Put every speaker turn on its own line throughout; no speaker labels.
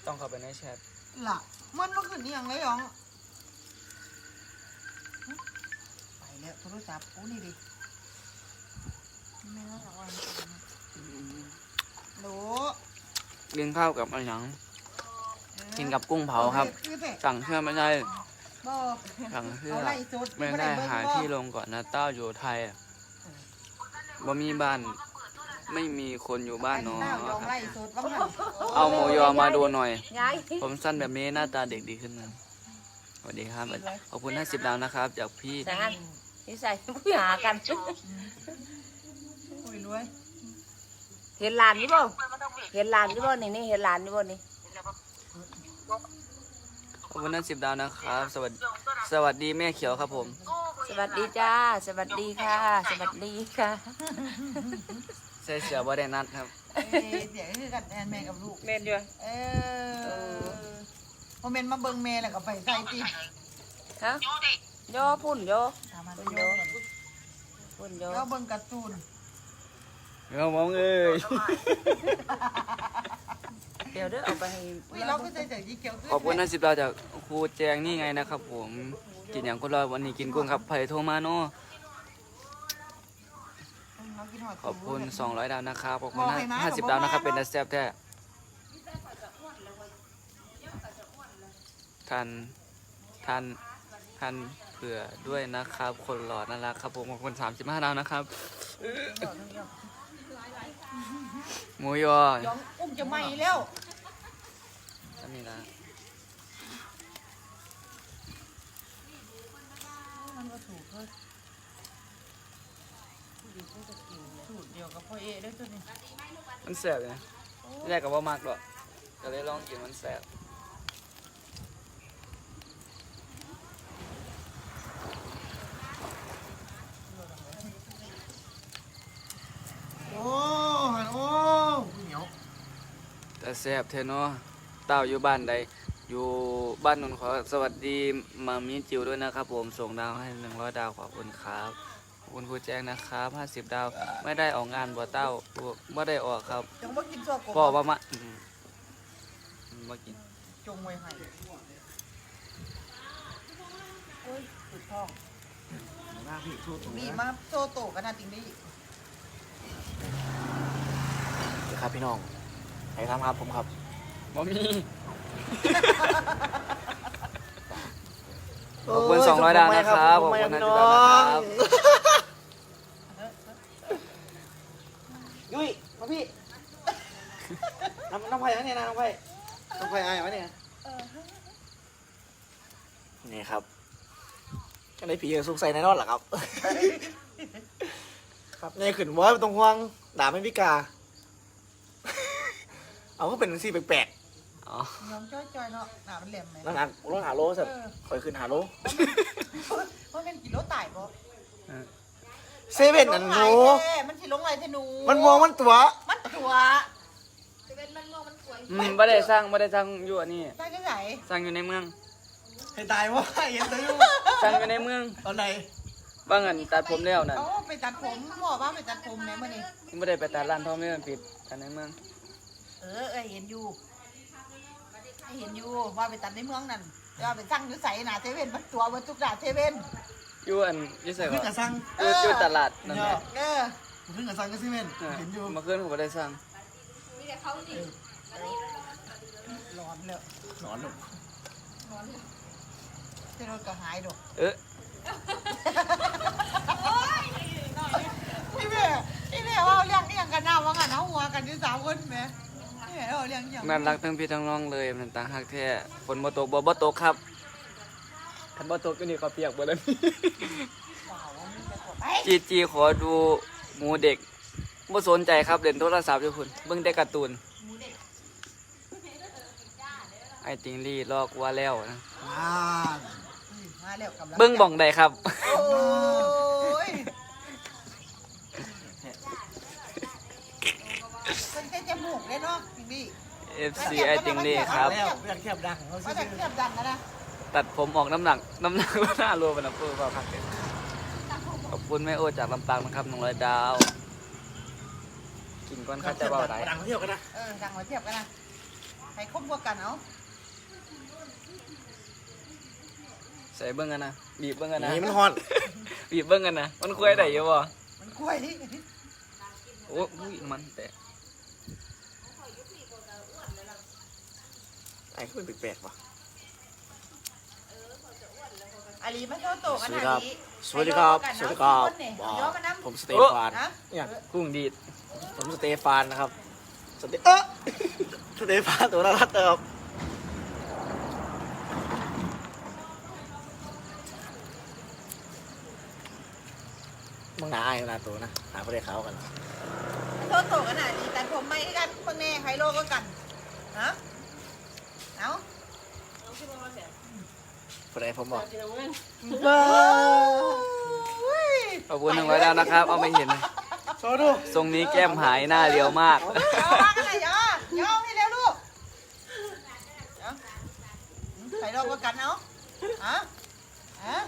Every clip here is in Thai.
ต้องเข้าไปในแชท
ล่ะมันลงขึ้นอย่างไรหรอไปแล้วโทรศัพท์กูนี่ดิไม่น่าจะวันโหล
กินข้าวกับอะไรหยังกินกับกุ้งเผาครับสั่งเชื่อไม่ได้สั่งเชื่อไม่ได้หาที่ลงก่อนนะเต้าอยู่ไทยบ่มีบ้านไม่มีคนอยู่บ้านเนาะเอาหมูยอมาดูหน่อยผมสั้นแบบนี้หน้าตาเด็กดีขึ้นนะสวัสดีครับขอบคุณ50 ดาวนะครับจากพี่
นี่ใส่ผู้หากัน
รวย
เห็นหลานนี่บ่เห็นหลานนี่บ่นี่เห็นหลานนี่บ่นี่
ขอบคุณ10 ดาวนะครับสวัสดีแม่เขียวครับผม
สวัสดีจ้าสวัสดีค่ะสวัสดีค่ะ
ใส่เสื้อบ่ได้นัดครับ
เดี๋ยวคือกันแม่กับลูก
แม่ด้วย
พอเมนมาเบิ่งแม่แล้วก็ไปใส่ตี
ฮะย่อพุ่นย่อพุ่นย่อ
ก็เบิ่งการ์ตูน
เรามองเอ้ย
เดี๋ยวเด้อเอาไปให้
เราก็ใส่เสื้อสีเขียว
ขอบคุณ10 ดาวจากครูแจงนี่ไงนะครับผมกินอย่างคนรอวันนี้กินกุ้งครับไผ่โทมาโนขอบคุณ200 ดาวนะครับขอบคุณ50 ดาวนะครับเป็นนักแซ่บแท้ทันเผื่อด้วยนะครับคนหล่อน่ารักครับผมขอบคุณ35 ดาวนะครับหมูยอ
อุ้มจะไหม้แล้ว
จะมีนะ
มันก็ถูกเลยสูตรเดียวกับพ่อเอได้ตัวนี้
มันแสบนะแรกกับว่ามากหรอกก็เลยลองกินมันแสบ
โอ้เหนียว
แต่แสบเทเนาะเต่าอยู่บ้านใดอยู่บ้านนนท์ขอสวัสดีมามีจิวด้วยนะครับผมส่งดาวให้100 ดาวขอบคุณครับขอบคุณครูแจ้งนะครับ50 ดาวไม่ได้ออกงานบ่เต้าไม่ได้ออกครับ
จงมากินซัวกบ
พ่อว่ามากิน
จงไว้ให้โอ้ยสุดท้องมีมาโซโตกันนะจริงดิ
ครับพี่น้องใครทำครับผมครับบ่มีขอบคุณ200 ดาวนะครับขอบคุณ50 ดาวนะครับ
ยุ้ยมาพี่น้องไผ่ไหมเนี่ยน้องไผ่อายไหมเนี่ย
นี่ครับก็ได้ผีสุกใส่ในนอนหรอครับ
ครับเนี่ยขึ้นว่าตรงห่วงด่าไม่พิกาเอาก็เป็นสีแปลก
ๆอ๋อ
น้องจ้อยๆเนาะหนามันแหลมไหม
น้ำหนักรถหาโลสัตว์คอยขึ้นหาโล
เพราะมันกี่โลตายบ่
เซเว่นอันหนู
มันสิลงไรเทนู
มันมองมันตัว
เซเว่นมันมองมันสวย
ไม่ได้สร้างอยู่อันนี้
สร้างที่ไหน
สร้างอยู่ในเมือง
ให้ตายว่าเห็นตัวอยู่
สร้างอยู่ในเมือง
ตอนไหน
บางอันตัดผมแล้วนั่น
ไปตัดผมบอกว่าไปตัดผมไหนมื่อนี้
ไม่ได้ไปตัดร้านทองไม่มันปิดตัดในเมือง
เห็นอยู่ว่าไปตัดในเมืองนั่นว่าไปสร้างอยู่ใส่หนาเซเว่นมันตัวมันทุกด่าเซเว่น
อยู่อันยี่ใส่
ก่อนสร้าง
อยู่ตลาดนั่นแหละ
เพิ่งกับสร้างก็เซเว่นเห็นอยู่
มาขึ้นผมก็ได้สร้าง
มีแต่เขาดิร้อนเลย
ร้อน
เจ้ารถก็หายดอกพี่แม่ว่าเลี้ยงกันหน้าว่างันเอาหัวกันที่3 คนไหมพี่แม่ว่าเลี้ยงอย่าง
น่ารักทั้งพี่ทั้งน้องเลยมันต่างหักแท้ฝนบ่ตกบ่ตกครับคันบ่ตกก็นี่เขาเปียกหมดแล้วจีขอดูหมูเด็กบ่สนใจครับเล่นโทรศัพท์อยู่พุ่นเบิ่งแต่การ์ตูนไอ้ติงลี่ลอกว่าแล้วนะเบิ่งบ่องใดครับ
เป็นจมูกเลยเนาะติงลี่
FC ไอ้ติงลี่ครับ
แคบดังของเขา
แคบดังนะ
ตัดผมออกน้ำหนักว่าหน้ารวมเป็นเพื่อเปล่าครับขอบคุณแม่โอจากลำปางนะครับ100 ดาวกินก้อนข้าจะเบาไหน
ดังเที่ยวกันนะ
ดังมาเทียบกันนะใครคบกว่ากันเอา
ใส่เบิ้งกันนะบีบเบิ้งกันนะ
นี่มันฮอน
บีบเบิ้งกันนะมันคุยได้อยู่บ่
มันกล้วยนี่
โอ้ยมันแต่
ไอ้ขึ้นแปลกๆว่ะ
อาลีมันเท่าโตกันอาลี
สวัสดีครับสวัสดีครับ
ย้อมาน้ำ
ผมสเตฟาน
นะ
เนี่ย
กุ้งดีด
ผมสเตฟานนะครับสเตฟานตัวน่ารักเติมมึงหนาไอ้ขนาดตัวนะหาประเดี๋ยวเขากัน
เท่าโตกันอาลีแต่ผมไม่กันคนแน่ใครโลก็กันฮะเอา
ประเดี๋ยวผมบอก
ขอบคุณ100ดาวนะครับ เอาไปเห็น
โชว์ดู
ทรงนี้แก้มหายหน้าเรียวมาก
เอาว่ากันไหนย่อให้เร็วลูกใครโลก็กันเอาฮะฮะ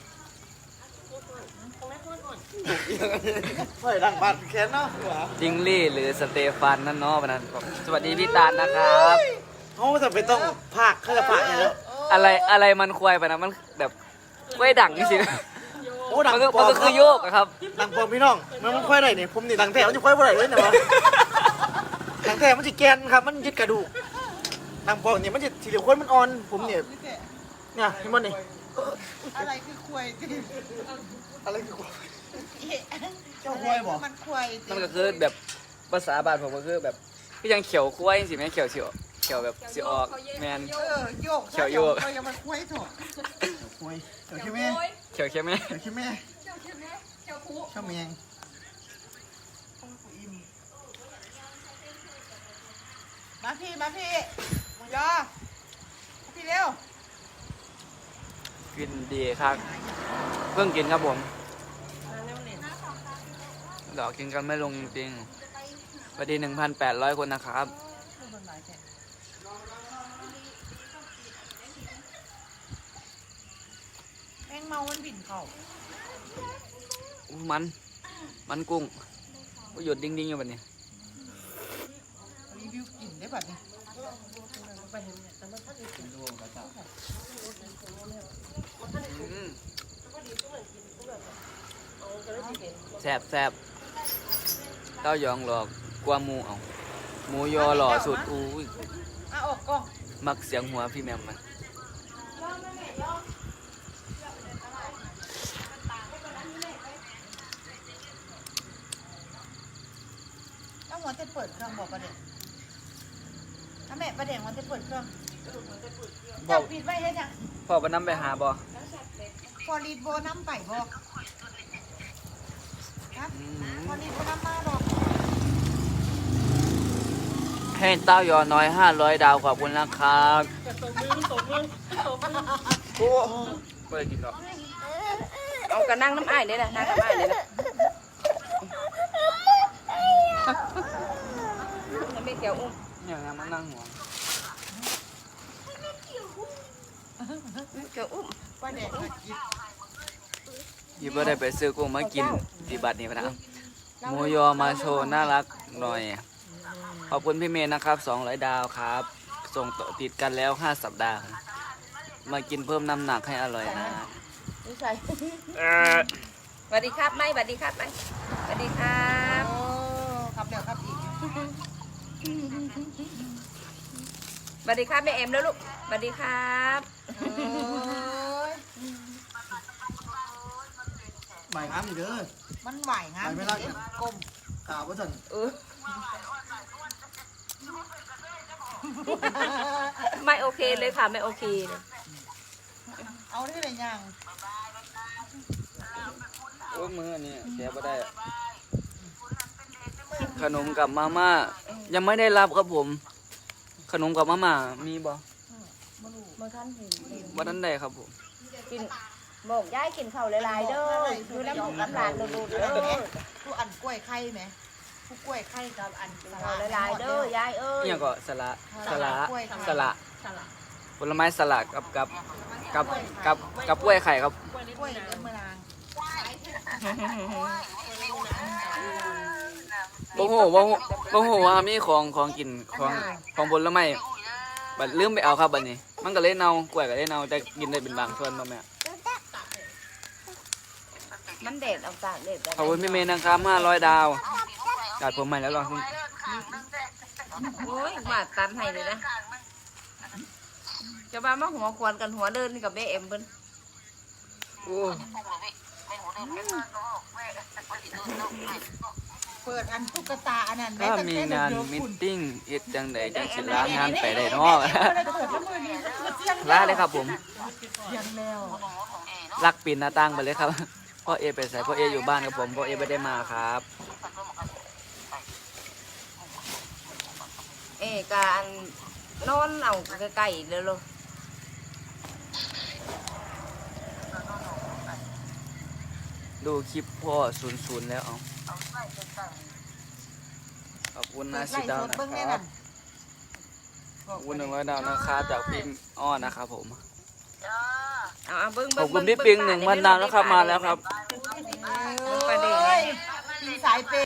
เฮ้ยดังบัตรแค้นเนาะ
จิงลี่หรือสเตฟานนั่นเนาะวันนั้นสวัสดีพี่ตาลนะครับ
เขาจะไปต้องภาคเขาจะภาคไงเนาะ
อะไรมันควายไปนะมันแบบกล้วยดังนี่สิ
โอ้ดัง
มันก็
ปลอม
คือโยกอะครับ
ดังปลอมพี่น้องมันค่อยได้เนี่ยผมนี่ดังแท้มันจะค่อยบ่ได้เลยเนี่ยวะดังแท้มันจะแกนครับมันยึดกระดูกดังปลอมเนี่ยมันจะสีเหลืองข้นมันอ่อนผมเนี่ยเนี่ยเห็นมันนี่
อะไรคือควย
อะไรคือควาย
เจ้าควยบอกมันควย
มันก็คือแบบภาษาบ้านผมก็คือแบบก็ยังเขียวควายสิแม่เขียวแบบสิออกแมน
โยก
เขียวโยก
เขายังมันควยถูก
ควายเดี๋ยวคิดแม่
เขียวใช่ไหม
เดี๋ยวคิดแม่ชอบเมียง
มาพี่หมูยอพี่เร็ว
กินดีครับเพิ่งกินครับผมเดี๋ยวกินกันไม่ลงจริงๆสวัสดี 1,800 คนนะครับ
แมงเมามันบินเข่า
อู้มันกุ้งก็หยุดดิ้งๆอยู่แบบนี้
รีวิวกลิ่นได้แบบนี้
แซ่บเต้ายองหลอกกว่าหมูเอาหมูยอหล่อสุดอุ้ย
อ่ะออกกล้อง
มักเสียงหัวพี่แมมมัน
แล้วหัวจะเปิดเครื่องบอกประเด็นถ้าแม่ประเด็นหัวจะเปิดเครื่อง
บ
จั
อบ ก
ปิดไว้ให้ยัง
พ่อไปน้ำไปหาบ่
พอรีดโบน้ำไปบอกนะ
อื
พอ
ม
รีดโบน้ำมาบอก
ให้เต้ายอน้อย500 ดาวขอบคุณนะครับโอ้ไม่ได้กินหรอก
เอากระนั่งน้ำอ้ายเลยนะนั่งน้ำอ้ายเลยนะแล้วไม่เกี่ยวอุ้ม
อย่างนั้นมันนั่งหัว
เกี่ยวอุ้ม
ประเด็นกิน
ยี่บ่ได้ไปซื้อกุ้งมากินที่บัดนี้พะนะหมูยอมาโชว์น่ารักหน่อย ขอบคุณพี่เมย์นะครับ200 ดาวครับ ส่งต่อติดกันแล้ว5 สัปดาห์ มากินเพิ่มน้ำหนักให้อร่อยนะ
นี่ใส่สวัสดีครับไม่สวัสดีครับไม่สวัสดีครับ
โอ้ครับเดี๋ยวครับอีก
สวัสดีครับแม่เอ็มแล้วลูกสวัสดีครับ
โอ้ย
หมายอ้ำอยู่เด้อ
มันไหวงามกลม
ข่าวว่าสัน
ไม่โอเคเลยค่ะไม่โอเคเลย
เอาได้เลยยัง
โอ้มืออันนี้เสียบ่ได้ ขนมกับมาม่ายังไม่ได้รับครับผม ขนมกับมาม่ามีบ่
เมื่อท่านเห็น
วันนั้นได้ครับผม
กินบอกย้ายกินข้าวหลายๆเด้ออยู่น้ำหลานดูๆเด้อ
ผู้อันกล้วยไข่ไหมผู้กล้วยไข่กับอันส
ข้าว
ลัด
หลายๆเด้อยายเอ้ย
เนี่ยก็สละสละ
สละ
ผลไม้สละกับกล้วยไข่ครับ
กล้วยเอ็มเมอราง
บ่ฮู้ว่ามีของกินของผลไม้บัดลืมไปเอาครับบัดนี้ มันก็เลยเน่ากล้วยก็เลยเน่าแต่กินได้เป็นบางส่วนบ่แม่
มันเด็ดเอาตากเด็ด
ขอบคุณพี่เมย์นะครับ500 ดาวจัดผมใหม่แล้วลอง
โอ้ยมาตันให้เลยนะจะมาหัวควนกันหัวเดินกับแม่เอ็มเพิ่น
โอ้
เปิดอันตุ๊กตาอันนั้น
ถ้ามีงานมิทติ้งเฮ็ดจังใดจังสิลางานไปได้เนาะ ลาเลยครับผม
ยังแล้ว
ลักปีนหน้าต่างไปเลยครับพ่อเอไปใส่พ่อเออยู่บ้านกับผมพ่อเอไม่ได้มาครับ
การนอนเอาไก่เลยลูก
ดูคลิปพ่อ00แล้วเอาขอบคุณนะสิดาวนะครับขอบคุณ100 ดาวนะครับจากพิมพ์อ้อนะครับผม
เอาเบิ้ง
ขอบคุณพี่ปิง1,000 ดาวนะครับมาแล้วครับ
ประเด็น
มีสายเป